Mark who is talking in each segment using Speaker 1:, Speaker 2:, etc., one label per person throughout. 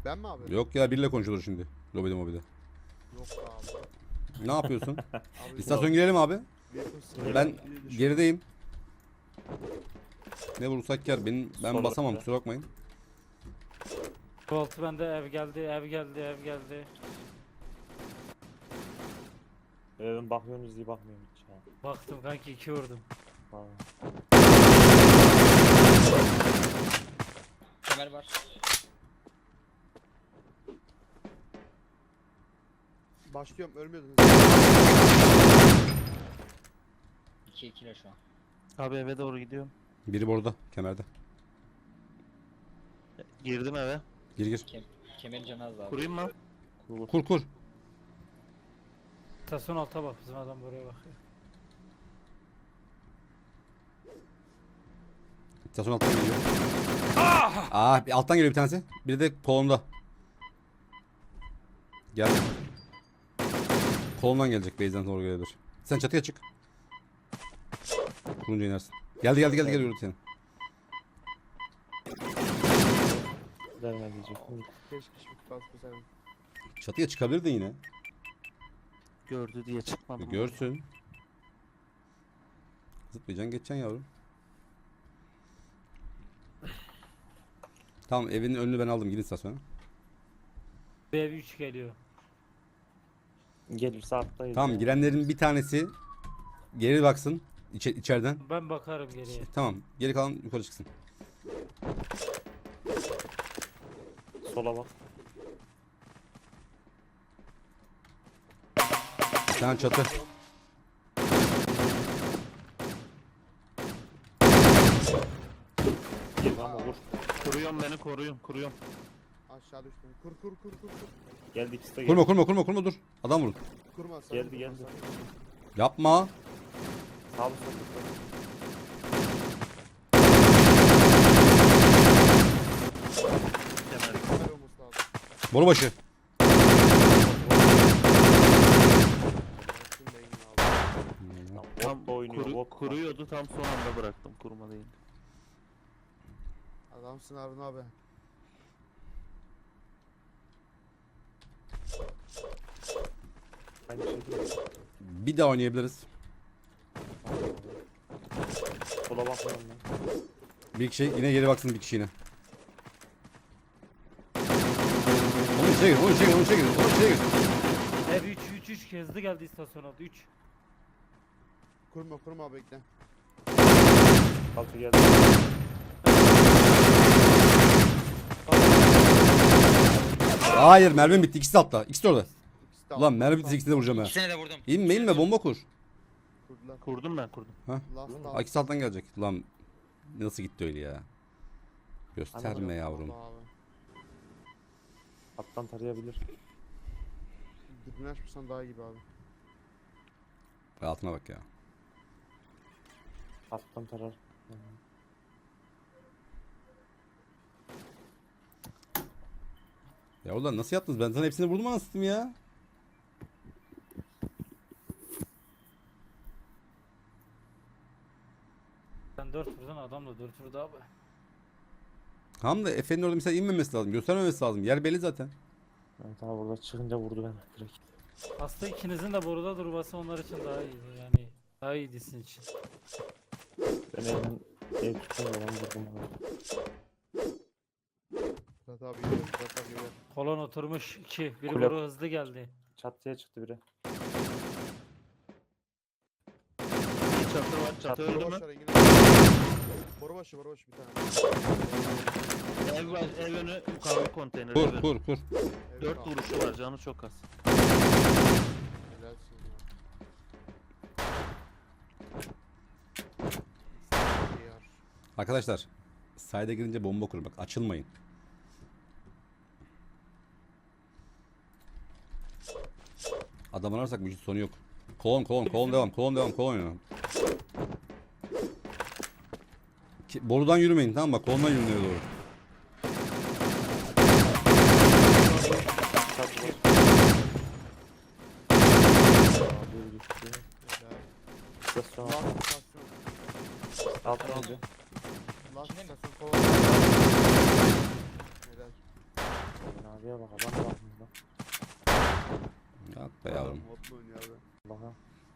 Speaker 1: Ben mi abi?
Speaker 2: Yok ya, biriyle konuşulur şimdi. Lobide mobide.
Speaker 1: Yok abi.
Speaker 2: Ne yapıyorsun?
Speaker 1: Abi
Speaker 2: İstasyon girelim abi.
Speaker 1: yakın sınır
Speaker 2: Ben
Speaker 1: değil de şu-
Speaker 2: gerideyim. Ne vurursak kar. Ben
Speaker 3: Sol
Speaker 2: basamam,
Speaker 3: ortada.
Speaker 2: kusura bakmayın.
Speaker 4: Volt bende, ev geldi, ev geldi, ev geldi.
Speaker 3: Ben bakıyorsunuz diye bakmıyorum hiç ya.
Speaker 4: Baktım kanki 2 vurdum.
Speaker 3: Ha.
Speaker 5: Kemer var.
Speaker 1: Başlıyorum, ölmüyordunuz.
Speaker 5: 2-2'le şu an.
Speaker 6: Abi eve doğru gidiyorum.
Speaker 2: Biri burada, kemerde.
Speaker 6: Girdim eve.
Speaker 2: Gir gir.
Speaker 5: Kemerin canı az abi.
Speaker 6: Kurayım mı?
Speaker 2: Kur kur.
Speaker 4: İstasyon alta bak, bizim adam buraya bakıyor.
Speaker 2: İstasyon alttan geliyor. Alttan geliyor bir tanesi. Biri de kolonda. Gel. Kolondan gelecek, base'den doğru gelebilir. Sen çatıya çık. Kurunca inersin. Geldi yürü seni.
Speaker 3: Verme diyecek.
Speaker 1: Keşke şimdi bas bu senin.
Speaker 2: Çatıya çıkabilirdin yine.
Speaker 6: Gördü diye çıkmadım.
Speaker 2: Görsün. Zıplayacaksın, geçeceksin yavrum. Tamam, evin önünü ben aldım, gidin istasyona.
Speaker 4: Bir ev 3 geliyor.
Speaker 3: Gelirse attayız.
Speaker 2: Tamam,
Speaker 3: ya.
Speaker 2: girenlerin bir tanesi geri baksın içeriden.
Speaker 4: Ben bakarım geriye.
Speaker 2: Tamam, geri kalan yukarı çıksın.
Speaker 3: Sola bak.
Speaker 2: Bir tane çatı.
Speaker 3: Girme ama vur.
Speaker 6: Kuruyorum beni kuruyorum.
Speaker 1: Aşağı düştüm. Kur.
Speaker 3: Geldi ikisi de geldi.
Speaker 2: Kurma dur. Adam vurun.
Speaker 1: Kurma sen.
Speaker 3: Geldi,
Speaker 1: kurma
Speaker 3: geldi.
Speaker 1: sen.
Speaker 2: Yapma.
Speaker 3: Sağlı sollu.
Speaker 6: Kemer.
Speaker 1: Kemer olması lazım.
Speaker 2: Boru başı.
Speaker 1: Şimdi de yine abi.
Speaker 3: Tam bot da oynuyor. Bot da.
Speaker 6: Kuruyordu, tam son anda bıraktım. Kurma değil.
Speaker 1: Adamsın Harun abi.
Speaker 3: Aynı şey değil.
Speaker 2: Bir daha oynayabiliriz.
Speaker 3: Sola bakmıyorum ben.
Speaker 2: Bir kişi yine geri baksın, bir kişi yine. Onun içine gir.
Speaker 4: Ev 3 hızlı geldi istasyon aldı 3.
Speaker 1: Kurma bekle.
Speaker 3: Kalça geldi.
Speaker 2: Hayır, mermim bitti. İkisi de altta. İkisi de orada.
Speaker 1: İkisi de
Speaker 2: Ulan
Speaker 1: aldı.
Speaker 2: mermi bitti, ikisini de vuracağım ha.
Speaker 5: İkisine de vurdum.
Speaker 2: İnme bomba kur.
Speaker 1: Kurdular.
Speaker 6: Kurdum ben kurdum.
Speaker 1: Last
Speaker 2: Aa, ikisi alttan gelecek. Lan nasıl gitti öyle ya? Gösterme yavrum.
Speaker 1: Abi.
Speaker 3: Alttan tarayabilir.
Speaker 1: Dibini açmasan daha iyi gibi abi.
Speaker 2: Altına bak ya.
Speaker 3: Alttan tarar.
Speaker 2: Ya ulan nasıl yaptınız? Ben sana hepsini vurdum anasını ya.
Speaker 4: Sen 4 vurdun, adam da 4 vurdu abi.
Speaker 2: Tam da Efe'nin orada mesela inmemesi lazım. Göstermemesi lazım. Yer belli zaten.
Speaker 3: Evet abi burada çıkınca vurdu beni direkt.
Speaker 4: Aslında ikinizin de boruda durması onlar için daha iyiydi yani. Daha iyiydi sizin için.
Speaker 3: Ben evden ev tutunca ben vurdum abi.
Speaker 1: Murat abi geliyor. Murat abi geliyor.
Speaker 4: Kolon oturmuş 2. Biri
Speaker 3: Kule-
Speaker 4: boru hızlı geldi.
Speaker 3: Çatıya çıktı biri.
Speaker 6: Bir çatı var. Çatı öldü
Speaker 1: Boru
Speaker 6: mü?
Speaker 1: başı Engin abi. Boru başı bir tane.
Speaker 6: Ev önü kahve konteyneri.
Speaker 2: Kur.
Speaker 1: Evet
Speaker 6: 4
Speaker 1: abi.
Speaker 6: vuruşu var, canı çok az.
Speaker 1: Helalsin ya.
Speaker 2: Arkadaşlar, sayda girince bomba kurun. Bak, açılmayın. Adam ararsak bu işin sonu yok. Kolon devam. Kolon oynayalım. Borudan yürümeyin, tamam mı? Bak, kolondan yürümeye doğru.
Speaker 3: Çatı var. Abi düştü.
Speaker 1: Helal.
Speaker 3: İstasyon
Speaker 1: Last
Speaker 3: altı.
Speaker 1: istasyon.
Speaker 3: Alttan öldü.
Speaker 1: Last
Speaker 5: İçinde mi?
Speaker 1: istasyon kovalıyor. Helal.
Speaker 3: Abi Şuraya bak adam var burada.
Speaker 2: Yok be yavrum.
Speaker 1: Mutlu oynuyor abi.
Speaker 3: Allah'a.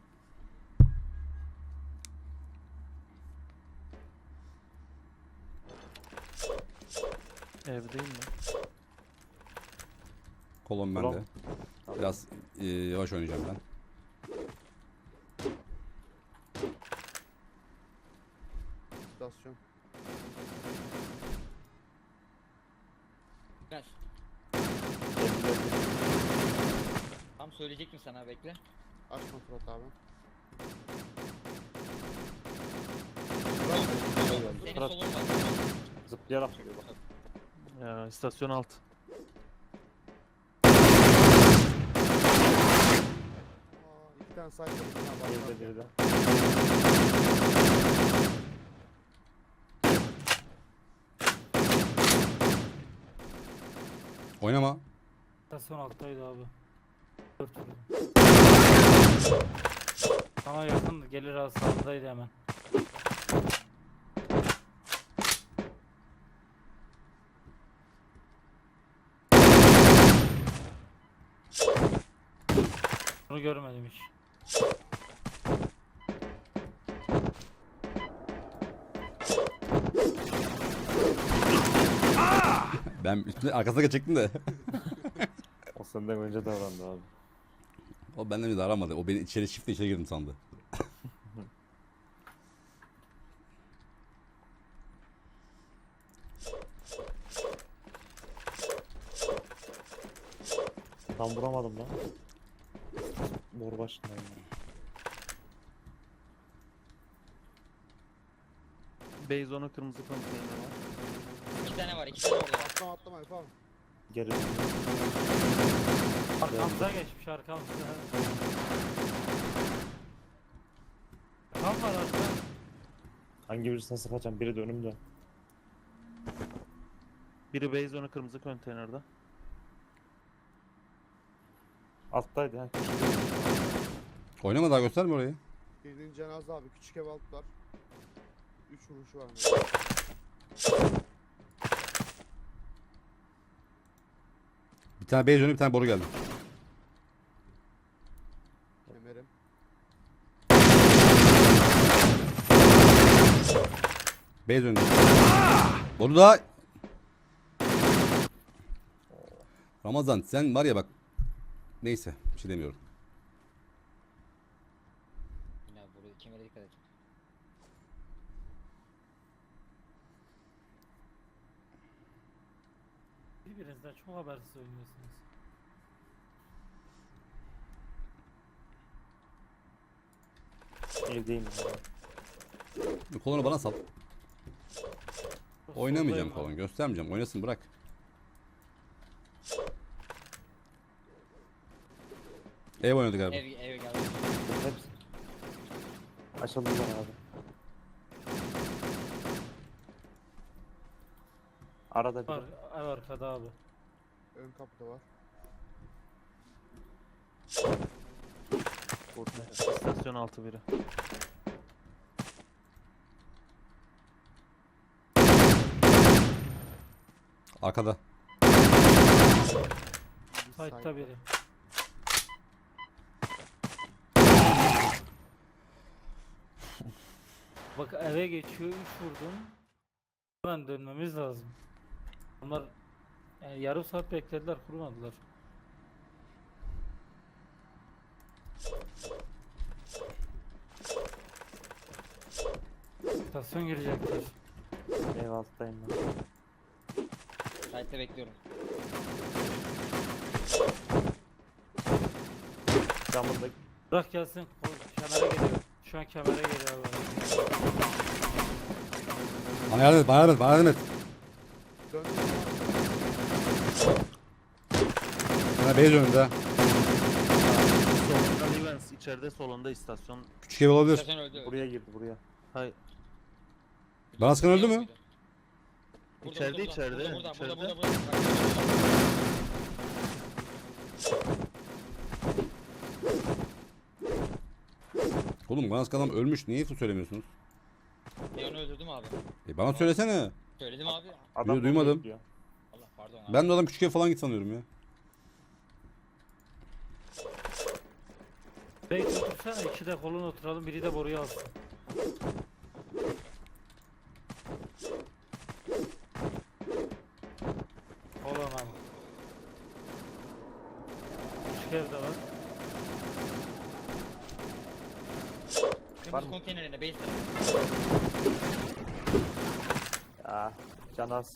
Speaker 6: Evdeyim mi?
Speaker 2: Kolon
Speaker 3: Kolon.
Speaker 2: bende. Biraz yavaş oynayacağım ben.
Speaker 1: İstasyon.
Speaker 5: Biraz. Tam söyleyecek mi sana, bekle.
Speaker 1: Açma Fırat abi.
Speaker 5: Senin
Speaker 3: Fırat.
Speaker 5: solun var.
Speaker 3: Zıplayarak geliyor bak.
Speaker 6: Ya istasyon alt.
Speaker 1: Aa, iki tane site var. Bir tane
Speaker 3: Geride
Speaker 1: var.
Speaker 3: geride.
Speaker 2: Oynama.
Speaker 4: Stasyon alttaydı abi. 4 vurdum. Ama yakın gelir az sağdaydı hemen. Bunu görmedim hiç.
Speaker 2: Ben üstüne arkasına geçecektim de.
Speaker 3: O senden önce davrandı abi.
Speaker 2: O benden bir de aramadı. O beni içeri çiftle içeri girdim sandı.
Speaker 3: Tam vuramadım lan. Mor başındayım.
Speaker 6: Beyzon'un kırmızı konteyneri var.
Speaker 5: 2 tane var, 2 tane orada var.
Speaker 1: Atlama atlama yapalım.
Speaker 3: Geri
Speaker 4: Arkamıza geçmiş arkamıza. Tam var arka.
Speaker 3: hangi birisine sıkacağım? Biri de önümde.
Speaker 6: Biri Beyzon'un kırmızı konteynerde.
Speaker 3: Alttaydı ha.
Speaker 2: Oynama daha, gösterme orayı.
Speaker 1: Birinin cenaze abi. Küçük ev alt var. 3 vuruşu var.
Speaker 2: Bir tane beyaz önü, bir tane boru geldi.
Speaker 1: Kemerim.
Speaker 2: Beyaz önü. Boru da. Ramazan sen var ya bak. Neyse bir şey demiyorum.
Speaker 5: Yine buraya kemere dikkat et.
Speaker 4: Birbirinizden çok habersiz oynuyorsunuz.
Speaker 3: Evdeyim abi.
Speaker 2: Kolonu bana sal.
Speaker 4: Çok
Speaker 2: Oynamayacağım
Speaker 4: soldayım
Speaker 2: kolon, göstermeyeceğim. Oynasın, bırak. Ev oynadı galiba.
Speaker 5: Eve geldi.
Speaker 3: Hepsi. Açıldılar abi. Arada
Speaker 4: abi.
Speaker 3: bir
Speaker 4: Var, ev arkada abi.
Speaker 1: Ön kapıda var.
Speaker 6: Burada. İstasyon altı biri.
Speaker 2: Arkada.
Speaker 4: Site'da biri. Bak eve geçiyor 3 vurdum. Hemen dönmemiz lazım. Onlar yani yarım saat beklediler, kurmadılar. İstasyon girecekler.
Speaker 3: ev alttayım ben.
Speaker 5: Site'de bekliyorum.
Speaker 3: Camında
Speaker 4: Bırak gelsin. Kemere geliyor. Şu an kemere geliyor abi.
Speaker 2: Bana yardım et, bana yardım et, bana yardım et.
Speaker 1: Döndüm.
Speaker 2: Bir tane beyaz önünde.
Speaker 6: Solunda Livens, içeride solunda istasyon.
Speaker 2: Küçük ev olabilir.
Speaker 5: İstasyon öldü.
Speaker 3: buraya girdi buraya.
Speaker 6: Hayır.
Speaker 2: Bana sıkan öldü mü?
Speaker 6: İçeride, içeride,
Speaker 5: Burada
Speaker 6: içeride.
Speaker 5: burada.
Speaker 2: Oğlum bana sıkan adam ölmüş. Niye söylemiyorsunuz?
Speaker 5: Ben onu öldürdüm abi.
Speaker 2: Bana söylesene.
Speaker 5: Söyledim abi.
Speaker 3: Adam
Speaker 2: Duymadım.
Speaker 3: bekliyor.
Speaker 5: Allah Pardon abi.
Speaker 2: Ben de adam küçük ev falan git sanıyorum ya.
Speaker 4: Belki otursana, iki de kolun oturalım, biri de boruyu alsın. Olan abi. Küçük ev de var.
Speaker 5: Kırmızı konteynerine base
Speaker 3: Ya can az.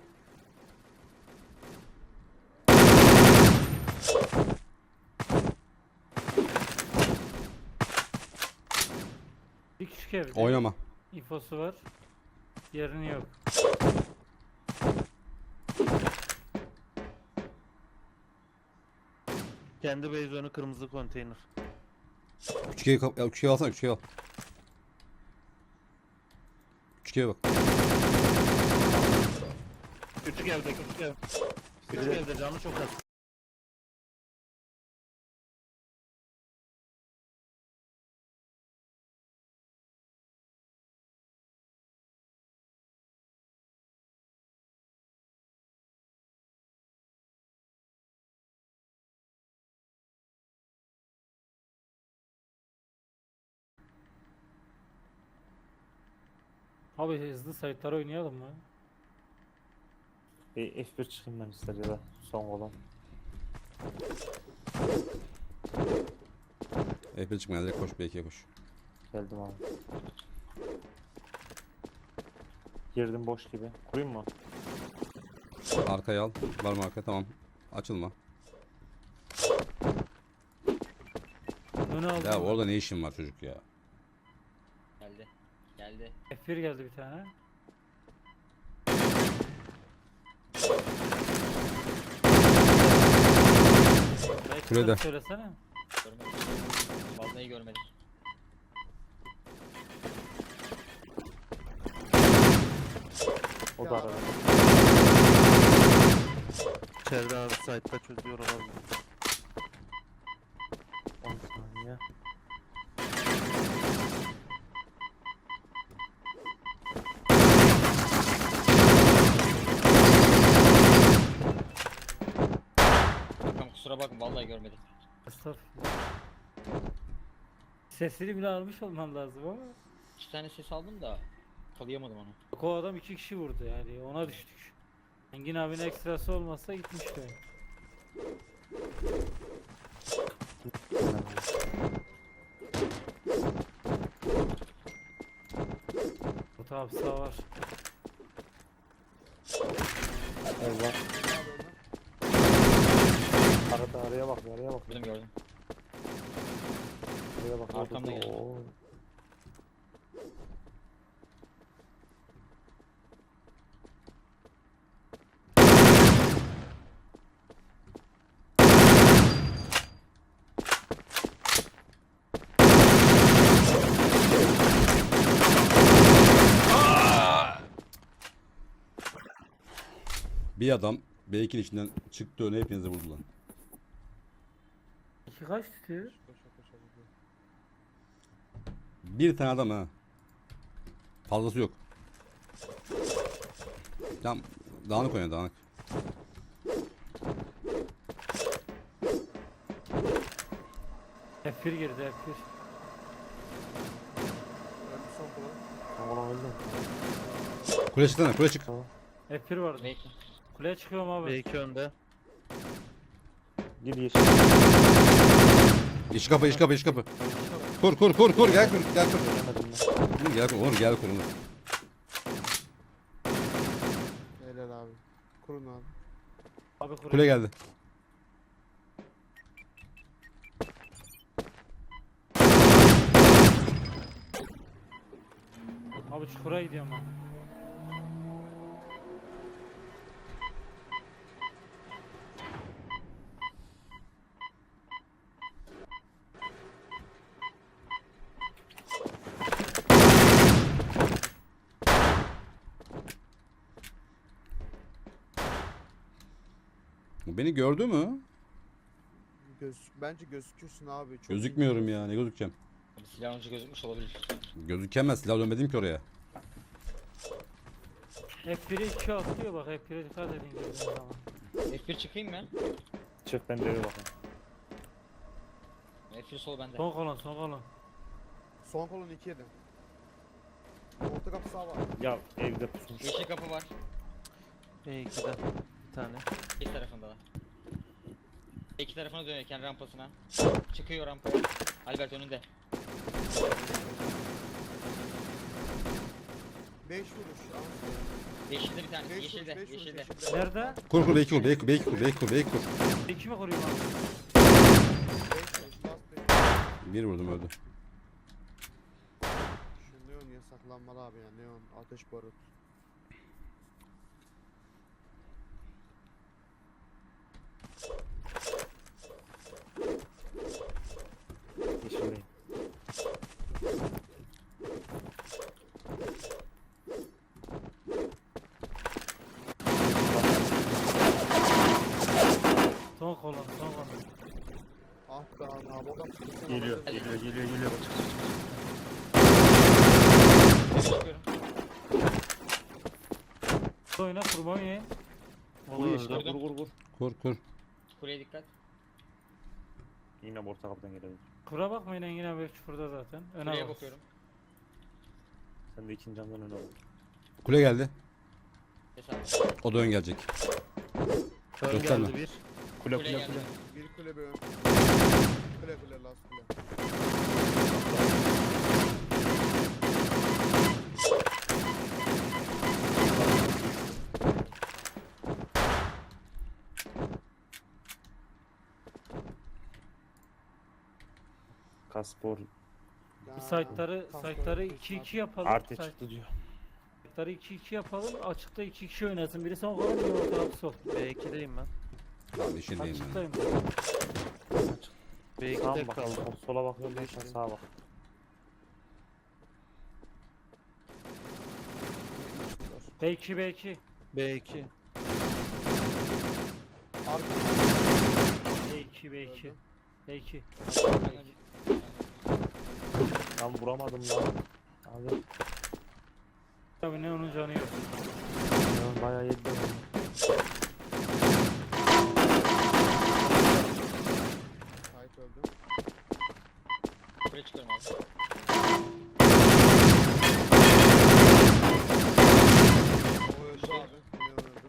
Speaker 4: Bir küçük ev.
Speaker 2: Oynama.
Speaker 4: İnfosu var. Yerini yok.
Speaker 6: Kendi base önü kırmızı konteyner.
Speaker 2: Küçük ev, küçük ev alsana, küçük ev al. Küçük eve bak.
Speaker 6: Küçük evde küçük ev. Küçük evde canı çok az.
Speaker 4: Abi hızlı sayıtları oynayalım mı?
Speaker 3: Bir F1 çıkayım ben ister ya da son olan.
Speaker 2: F1 çıkmaya direkt koş, B2'ye koş.
Speaker 3: Geldim abi. Girdim boş gibi. Kurayım mı?
Speaker 2: Arkaya al. Var mı arka? Tamam. Açılma.
Speaker 4: Önü aldım.
Speaker 2: Ya orada ne işin var çocuk ya?
Speaker 5: geldi. Geldi.
Speaker 4: F1 geldi bir tane. Belki
Speaker 2: Kulede.
Speaker 4: söylesene.
Speaker 5: Görmedim. Vallahi görmedim.
Speaker 3: O da arada.
Speaker 6: İçeride abi site'da çözüyor olabilir.
Speaker 3: 10 saniye.
Speaker 5: Tamam kusura bakma vallahi görmedim.
Speaker 4: Estağfurullah. Sesini bile almış olmam lazım ama.
Speaker 5: 2 tane ses aldım da kalayamadım onu.
Speaker 4: Bak o adam 2 kişi vurdu yani, ona düştük. Engin abinin ekstrası olmazsa gitmişti. Orta hapsa var.
Speaker 3: Eyvah. Arada araya bak, araya bak.
Speaker 5: Gördüm gördüm.
Speaker 3: Araya bak.
Speaker 5: Arkamda geldi.
Speaker 3: Oo.
Speaker 2: Bir adam B2'nin içinden çıktı, öne hepinizi vurdu lan.
Speaker 4: İki kaç tutuyor?
Speaker 1: Koşa koşa gidiyor.
Speaker 2: Bir tane adam ha. Fazlası yok. Tam dağınık oynuyor, dağınık.
Speaker 4: F1 girdi, F1.
Speaker 1: Öldü son kula.
Speaker 3: Son olan öldü.
Speaker 2: Kule çıksana, kule çık.
Speaker 3: Tamam.
Speaker 4: F1 vardı.
Speaker 5: Bekle.
Speaker 4: Kuleye çıkıyorum abi.
Speaker 6: B2 önde.
Speaker 3: Gir yeşil.
Speaker 2: İş kapı, iş kapı, iş kapı. Kur, kur, kur, kur, gel kur, gel kur.
Speaker 3: Göremedim ben.
Speaker 2: Oğlum gel kur, oğlum gel kur. Oğlum.
Speaker 1: Helal abi. Kurun abi.
Speaker 4: Abi kuleye.
Speaker 2: Kule geldi.
Speaker 4: Abi çukura gidiyorum ben.
Speaker 2: Bu beni gördü mü?
Speaker 1: Bence gözükürsün abi. Çok iyi
Speaker 2: Gözükmüyorum
Speaker 1: görüyorsun.
Speaker 2: ya, ne gözükeceğim?
Speaker 5: Abi silahın ucu gözükmüş olabilir.
Speaker 2: Gözükemez, silah dönmedim ki oraya.
Speaker 4: F1'e 2 atlıyor bak, F1'e dikkat edin girdiğiniz zaman.
Speaker 5: F1 çıkayım mı?
Speaker 3: Çık ben de eve bakayım.
Speaker 5: F1 sol bende.
Speaker 4: Son kolon, son kolon.
Speaker 1: Son kolon 2 yedim. Orta kapı sağ var.
Speaker 3: Ya evde pusmuş.
Speaker 5: Yeşil kapı var.
Speaker 7: B2'de bir tane.
Speaker 5: İki tarafında da. İki tarafına dönüyorken rampasına. Çıkıyor rampaya. Albert önünde.
Speaker 1: 5 vuruş.
Speaker 5: Yeşilde bir tanesi.
Speaker 1: 5 vuruş,
Speaker 5: Yeşilde.
Speaker 1: 5 vuruş,
Speaker 5: Yeşilde.
Speaker 1: yeşilde.
Speaker 4: Nerede?
Speaker 2: Kur kur beyki kur beyki kur beyki kur beyki kur beyki kur.
Speaker 4: 2 mi koruyor abi?
Speaker 1: 5 vuruş, last 5.
Speaker 2: Bir vurdum öldü.
Speaker 1: Şu neon yasaklanmalı abi ya. Neon, ateş barut.
Speaker 3: Yeşildeyim.
Speaker 4: Son kolon, son kolon.
Speaker 1: Ah be abi, adam çıkıyor.
Speaker 3: Geliyor. Geliyor.
Speaker 5: Çıkıyorum.
Speaker 4: Oyna, kurban ye.
Speaker 3: Vur yeşile
Speaker 5: öldü.
Speaker 3: vur.
Speaker 2: Kur kur.
Speaker 5: Kuleye dikkat.
Speaker 3: Yine orta kapıdan gelebilir.
Speaker 4: Kura bakmayın yine belki burada zaten. Öne
Speaker 5: Kuleye
Speaker 4: bak.
Speaker 5: bakıyorum.
Speaker 3: Sen de ikinci camdan öne bak.
Speaker 2: Kule geldi.
Speaker 5: Hesap.
Speaker 2: O da ön gelecek.
Speaker 6: Ön
Speaker 2: Gösterme.
Speaker 6: geldi bir.
Speaker 3: Kule
Speaker 5: Kule geldi.
Speaker 1: Bir kule bir ön. Kule last kule.
Speaker 3: Kaspor
Speaker 4: Bir site'ları 2-2 yapalım.
Speaker 3: artı çıktı diyor.
Speaker 4: Site'ları 2-2 yapalım. Açıkta 2 kişi oynasın. Biri son kolon, biri orta kapı sol.
Speaker 7: B2'deyim ben.
Speaker 2: Tamam yeşildeyim ben.
Speaker 4: Açıktayım.
Speaker 3: Sağa
Speaker 7: B2'de
Speaker 3: mı bak?
Speaker 7: kaldım.
Speaker 3: Sola bakıyorum ben sen sağa bak.
Speaker 4: B2.
Speaker 7: B2.
Speaker 1: Arka.
Speaker 4: B2. B2.
Speaker 3: Ben vuramadım lan. Abi
Speaker 4: Tabii ne onun canı yok.
Speaker 3: ya bayağı yedi beni.
Speaker 1: Sait öldü.
Speaker 5: Kuleye çıkıyorum abi.
Speaker 1: O öldü abi. Neon öldü.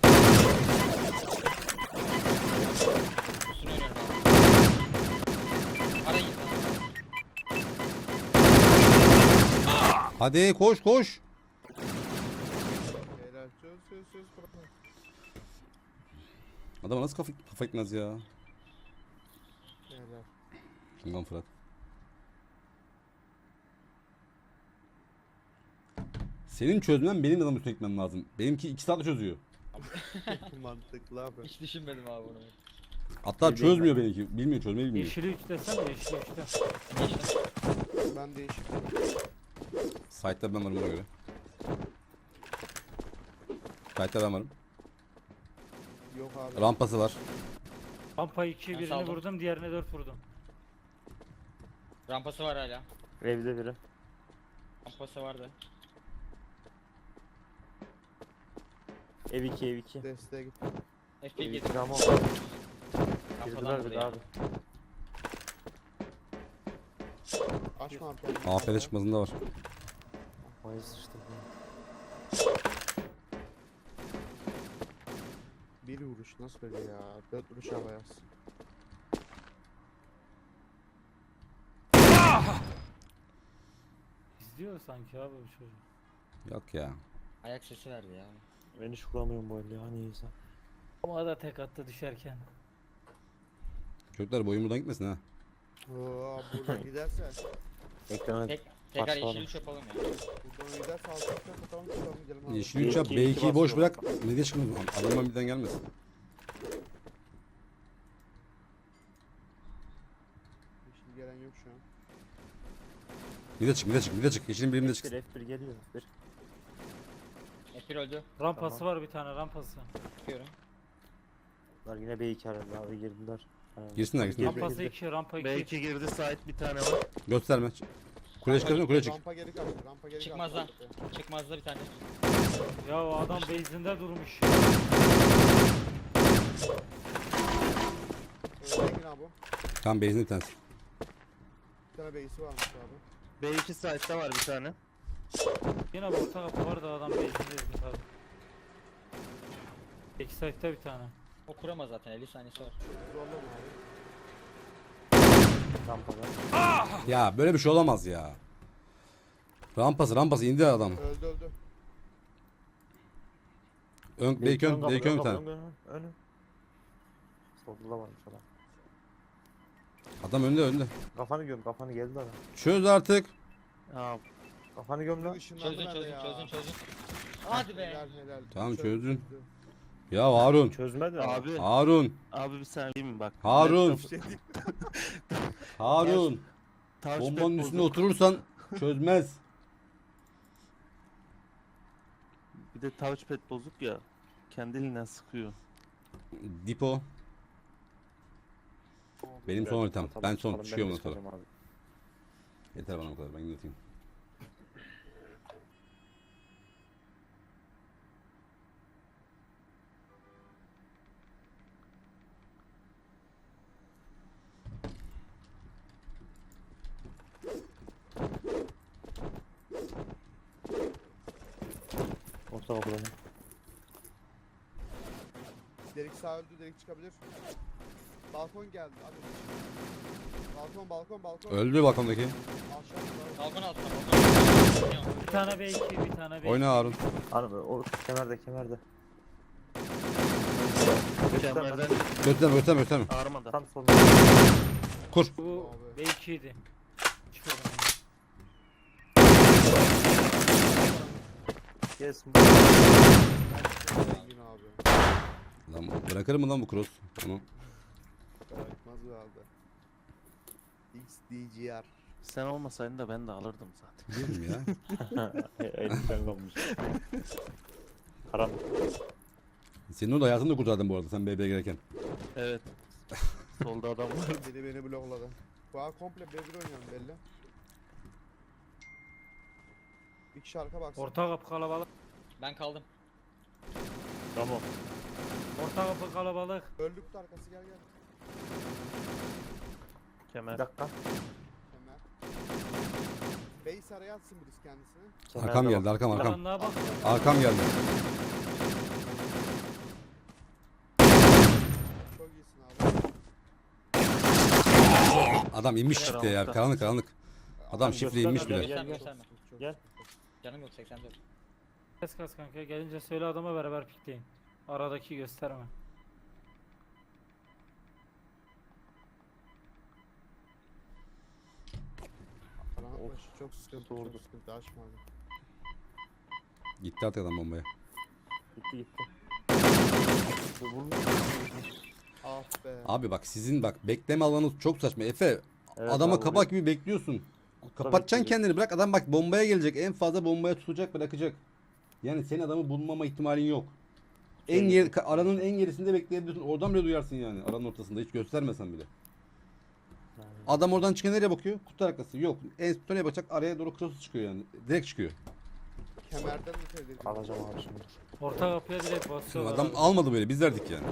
Speaker 5: Üstüne oynuyorum abi. Arayın.
Speaker 2: Hadi koş koş.
Speaker 1: Helal. Söz. Bırakma.
Speaker 2: Adama nasıl kafa gitmez ya.
Speaker 1: Helal.
Speaker 2: Şundan Fırat. Senin çözmen benim adamı üstüne gitmem lazım. Benimki 2 saatte çözüyor.
Speaker 1: Mantıklı abi.
Speaker 5: Hiç düşünmedim abi bunu.
Speaker 2: Hatta çözmüyor benimki. Bilmiyor çözmeyi bilmiyor.
Speaker 4: Yeşili 3 desene, yeşili 3'te.
Speaker 5: Geçtim.
Speaker 1: Ben değişik.
Speaker 2: Site'da ben varım ona göre. Site'da ben varım.
Speaker 1: Yok abi.
Speaker 2: Rampası var.
Speaker 4: Rampa 2
Speaker 5: Ben
Speaker 4: birini
Speaker 5: saldım.
Speaker 4: vurdum, diğerine 4 vurdum.
Speaker 5: Rampası var hala.
Speaker 3: Evde biri.
Speaker 5: Rampası vardı.
Speaker 3: Ev 2.
Speaker 1: Desteğe git.
Speaker 5: F1
Speaker 3: Ev
Speaker 5: girdi.
Speaker 3: 2 ama
Speaker 5: Rampadan
Speaker 3: girdiler bir
Speaker 5: vurdu
Speaker 3: daha
Speaker 5: ya.
Speaker 3: abi.
Speaker 1: Açma abi kendini.
Speaker 2: AFD çıkmasında var.
Speaker 3: Vay sıçtı.
Speaker 1: Bir vuruş nasıl böyle ya? 4 vuruş havaya yaz.
Speaker 4: İzliyor sanki abi bu çocuk.
Speaker 2: Yok ya.
Speaker 5: Ayak sesi verdi ya.
Speaker 3: Ben hiç vuramıyorum bu elde ya niyeyse.
Speaker 4: Ama da tek attı düşerken.
Speaker 2: Çocuklar boyun buradan gitmesin ha.
Speaker 1: Oo, buradan giderse.
Speaker 3: Ekrana
Speaker 5: Tekrar
Speaker 3: Parçalanır.
Speaker 5: yeşil üç yapalım ya.
Speaker 1: Buradan giderse alacaksak atalım çıkalım gidelim abi.
Speaker 2: Yeşil 3 yap.
Speaker 3: B2'yi
Speaker 2: B2'yi boş
Speaker 3: basıyor.
Speaker 2: bırak. Ne diye çıkmıyor? Adamdan birden gelmesin.
Speaker 1: Yeşil gelen yok şu an.
Speaker 2: Bir de çık. Yeşilin birimde çık.
Speaker 3: F1 geliyor. F1.
Speaker 5: F1 öldü.
Speaker 4: Rampası var bir tane, rampası.
Speaker 5: Çıkıyorum.
Speaker 3: Bunlar yine B2 herhalde abi girdiler. Ha.
Speaker 2: Girsinler.
Speaker 4: Rampası 2, rampa 2.
Speaker 6: B2 girdi site bir tane var.
Speaker 2: Gösterme. Kule çıkarsan kule çık.
Speaker 1: Rampa geri kaldı. Rampa geri
Speaker 5: Çıkmaz
Speaker 1: kaldı.
Speaker 5: lan. Çıkmazda bir tane.
Speaker 4: Ya o adam base'inde durmuş.
Speaker 1: Engin abi.
Speaker 2: Tam base'in bir tanesi.
Speaker 1: Bir tane base'i varmış abi.
Speaker 7: B2 site'da var bir tane.
Speaker 4: Yine bu orta kapı var da adam base'inde abi. Backside'da bir tane.
Speaker 5: O kuramaz zaten 50 saniyesi var.
Speaker 1: Zorlama abi.
Speaker 3: Rampada.
Speaker 2: Ya böyle bir şey olamaz ya. Rampası indi adam.
Speaker 1: Öldü.
Speaker 2: Belki ön bir tane.
Speaker 3: Önü. Solda da varmış adam.
Speaker 2: Adam önde.
Speaker 3: Kafanı göm, kafanı geldi adam.
Speaker 2: Çöz artık.
Speaker 7: Aa,
Speaker 3: Kafanı göm lan.
Speaker 1: Işınlandı
Speaker 5: Çözdün
Speaker 1: bende ya.
Speaker 5: çözdün. Hadi be.
Speaker 1: Helal.
Speaker 2: Tamam,
Speaker 1: Çözdü.
Speaker 2: çözdün. Ya Harun.
Speaker 3: Çözmedi ama.
Speaker 7: abi.
Speaker 2: Harun.
Speaker 7: Abi bir saniye diyeyim mi bak.
Speaker 2: Harun.
Speaker 7: Laptop-
Speaker 2: Harun.
Speaker 7: touchpad
Speaker 2: Bombanın üstüne
Speaker 7: bozuk.
Speaker 2: oturursan çözmez.
Speaker 7: Bir de touchpad bozuk ya. Kendiliğinden sıkıyor.
Speaker 2: Dipo. Benim son haritam.
Speaker 3: Tamam,
Speaker 2: Ben son
Speaker 3: tamam,
Speaker 2: çıkıyorum
Speaker 3: de
Speaker 2: ondan sonra.
Speaker 3: çıkacağım abi.
Speaker 2: Yeter bana bu kadar. Ben yatayım.
Speaker 3: Orta kapıdan.
Speaker 1: Delik sağ öldü, delik çıkabilir. Balkon geldi abi. Balkon.
Speaker 2: Öldü balkondaki.
Speaker 1: Aşağı
Speaker 5: Balkon altına.
Speaker 4: Bir tane B2, bir tane B2.
Speaker 2: Oyna Harun.
Speaker 3: Abi o kemerde.
Speaker 7: Kemerden
Speaker 2: Gösterme.
Speaker 7: ağrımadı.
Speaker 3: Tam solda.
Speaker 2: Kur.
Speaker 4: Bu B2 idi. Çıkıyorum.
Speaker 3: Gelsin.
Speaker 1: Engin abi.
Speaker 2: Lan bırakır mı lan bu cross? Onu.
Speaker 1: Bırakmaz herhalde. XDGR.
Speaker 7: Sen olmasaydın da ben de alırdım zaten.
Speaker 2: Biliyorum ya.
Speaker 3: Elinden kalmış. Karanlık.
Speaker 2: Senin o da hayatını da kurtardın bu arada sen BB'ye gelirken.
Speaker 7: Evet. Solda adam var.
Speaker 1: Beni blokladı. Bu an komple B1 oynuyorum belli. Bir kişi arka baksın.
Speaker 4: Orta kapı kalabalık.
Speaker 5: Ben kaldım.
Speaker 3: Tamam.
Speaker 4: Orta kapı kalabalık.
Speaker 1: Öldük de arkası gel.
Speaker 7: Kemer.
Speaker 3: Bir dakika.
Speaker 1: Kemer. Base araya atsın birisi kendisini.
Speaker 2: Arkam geldi arkam.
Speaker 4: Karanlığa bak.
Speaker 2: Arkam geldi.
Speaker 1: Çok iyisin abi.
Speaker 2: Adam inmiş çifte ya. Karanlık. Adam şifre inmiş bile.
Speaker 5: Gösterme.
Speaker 3: Gel.
Speaker 5: Canım yok 84.
Speaker 4: Kes kas kanka gelince söyle adama beraber pikleyin. Aradaki gösterme.
Speaker 1: Karanlık
Speaker 3: Of.
Speaker 1: başı çok sıkıntı.
Speaker 3: Doğru.
Speaker 1: Çok sıkıntı. Açma abi.
Speaker 2: Gitti artık adam bombaya.
Speaker 3: Gitti.
Speaker 1: Ah be.
Speaker 2: Abi bak sizin bekleme alanınız çok saçma. Efe adama
Speaker 3: abi,
Speaker 2: kabak gibi bekliyorsun. Kapatacaksın
Speaker 3: bekliyor.
Speaker 2: kendini bırak adam bak bombaya gelecek. En fazla bombaya tutacak bırakacak. Yani senin adamı bulmama ihtimalin yok. Aranın en gerisinde bekleyebilirsin. Oradan bile duyarsın yani. Aranın ortasında hiç göstermesen bile. Adam oradan çıkıyor nereye bakıyor? Kutu arkası. Yok. En son nereye bakacak? Araya doğru cross çıkıyor yani. Direkt çıkıyor.
Speaker 1: Kemerden de tehlikeli.
Speaker 3: Alacağım abi şimdi.
Speaker 4: Orta kapıya direkt basıyorlar.
Speaker 2: Adam
Speaker 4: abi.
Speaker 2: almadı böyle. Biz verdik yani.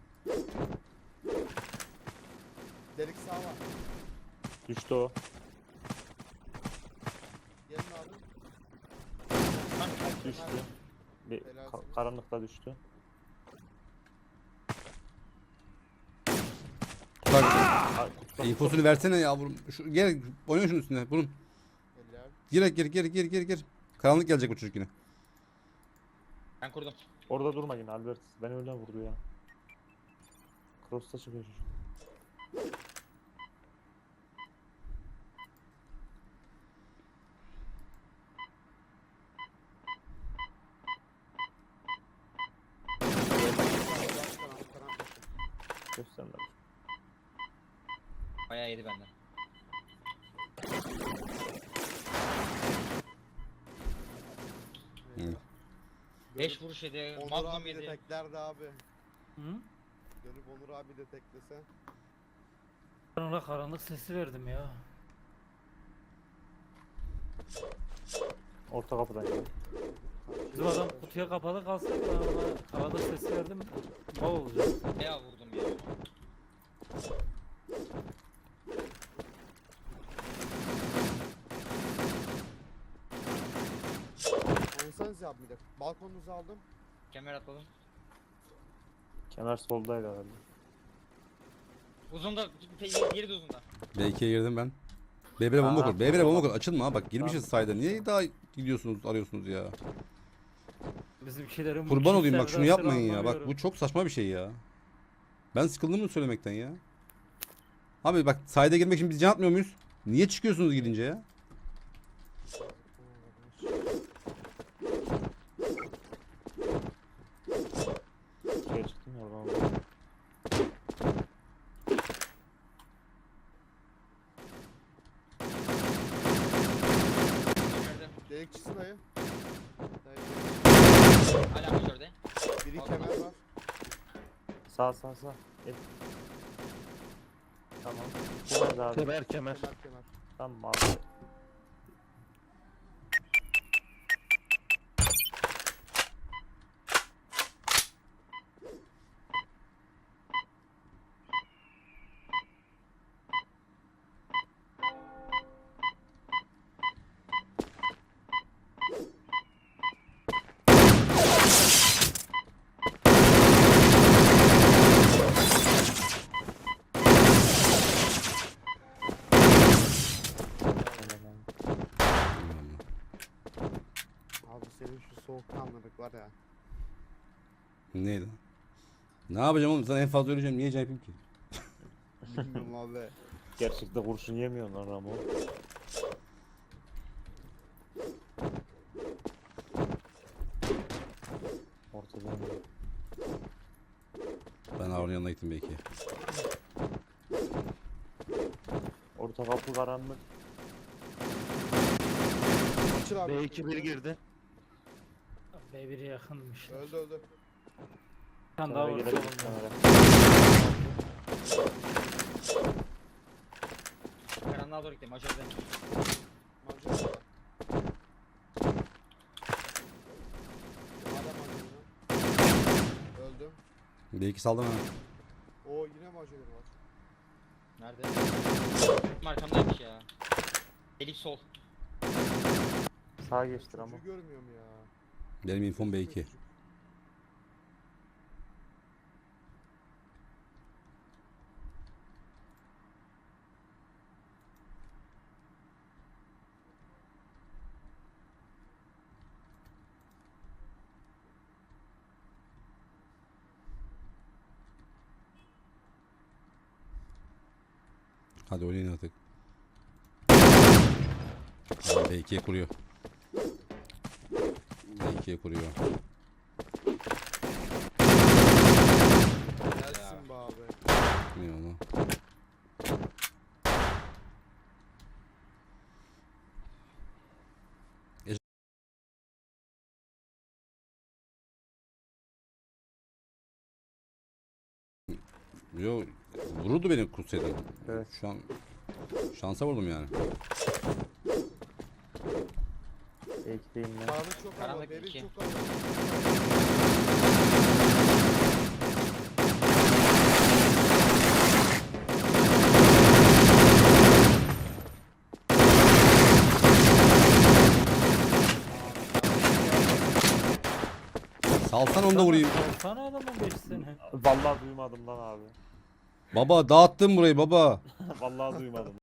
Speaker 1: Delik sağ var.
Speaker 3: Düştü o.
Speaker 1: Gelin abi.
Speaker 3: Düştü. Bir karanlıkta düştü.
Speaker 2: Bak
Speaker 3: Ay, kutuda-
Speaker 2: infosunu versene yavrum. Gel oyna şunun üstüne. Bunun.
Speaker 1: Eller.
Speaker 2: Gir. Karanlık gelecek bu çocuk yine.
Speaker 5: Ben kurdum.
Speaker 3: Orada durma yine Albert. Beni öyle vurdu ya. Cross'ta çıkıyor çocuk. Gösterme.
Speaker 5: Bayağı yedi benden.
Speaker 2: Hı.
Speaker 5: 5 vuruş yedi.
Speaker 1: Onur
Speaker 5: Magnum
Speaker 1: abi de
Speaker 5: yedi.
Speaker 1: teklerdi abi.
Speaker 4: Hı?
Speaker 1: Dönüp Onur abi de teklese.
Speaker 4: Ben ona karanlık sesi verdim ya.
Speaker 3: Orta kapıdan gel.
Speaker 4: Bizim adam kutuya kapalı kalsaydı ben ona havada ses verdim. Ne olacak?
Speaker 5: Bayağı vurdum ya.
Speaker 1: Oynasanız ya bir de. Balkonunuzu aldım.
Speaker 5: Kemer atladım.
Speaker 3: Kemer soldaydı herhalde.
Speaker 5: Uzunda, diğeri de uzunda.
Speaker 2: B2'ye girdim ben. B1'e bomba
Speaker 3: Aa,
Speaker 2: kur. B1'e bomba
Speaker 3: tamam.
Speaker 2: kur. Açılma ha bak girmişiz sayda. Niye daha gidiyorsunuz arıyorsunuz ya?
Speaker 4: Bizimkilerin bu
Speaker 2: Kurban olayım bak
Speaker 4: çift
Speaker 2: şunu
Speaker 4: sevdasını
Speaker 2: yapmayın ya. Bak
Speaker 4: anlamıyorum.
Speaker 2: bu çok saçma bir şey ya. Ben sıkıldım mı söylemekten ya? Abi bak sayda girmek için biz can atmıyor muyuz? Niye çıkıyorsunuz gidince ya?
Speaker 3: Şuraya çıktım ya oradan aldım.
Speaker 5: Kemer'de.
Speaker 1: Delikçisi dayı. Dayı.
Speaker 5: Hala majörde.
Speaker 1: Biri kemer var.
Speaker 3: Sağ. Et. Tamam. Kemer abi.
Speaker 6: Kemer.
Speaker 1: Kemer kemer.
Speaker 3: Tamam abi.
Speaker 1: Abi senin şu soğukkanlılık var ya.
Speaker 2: Neydi? Ne yapacağım oğlum? Sana en fazla öleceğim. Niye can yapayım ki?
Speaker 1: Bilmiyorum abi.
Speaker 3: Gerçekte kurşun yemiyorsun lan Ramo. Ortadan.
Speaker 2: Ben Harun'un yanına gittim belki.
Speaker 3: Orta kapı karanlık.
Speaker 1: Açıl abi.
Speaker 6: B2 bir girdi.
Speaker 4: B1'e yakınmış.
Speaker 1: Öldü öldü.
Speaker 4: Bir tane daha
Speaker 3: Kenara
Speaker 4: var.
Speaker 3: girelim
Speaker 4: solunda.
Speaker 3: kenara.
Speaker 5: Karanlığa doğru gittim majörde.
Speaker 1: Mancınık var. Hala mancınık. Öldüm.
Speaker 2: Belki saldım hemen.
Speaker 1: Oo yine mancınık var.
Speaker 5: Nerede? Benim arkamdaymış ya. Elif sol.
Speaker 3: Sağa geçtir ama.
Speaker 1: Çocuğu görmüyorum ya.
Speaker 2: Benim infom B2.
Speaker 1: Çocuk.
Speaker 2: Hadi oynayın artık. B2'ye kuruyor. B2'ye kuruyor.
Speaker 1: Gelsin be abi.
Speaker 2: Ne onu? Yo vururdu beni kutsaydım.
Speaker 3: Evet.
Speaker 2: Şu an şansa vurdum yani.
Speaker 3: Ekleyeyim ben.
Speaker 1: Karanlık çok ama.
Speaker 5: Karanlık
Speaker 1: Beri
Speaker 5: iki.
Speaker 1: çok ama.
Speaker 2: Salsan onu da vurayım.
Speaker 4: Sana adamın 5 sene.
Speaker 3: Vallahi duymadım lan abi.
Speaker 2: Baba dağıttın burayı baba.
Speaker 3: Vallahi duymadım.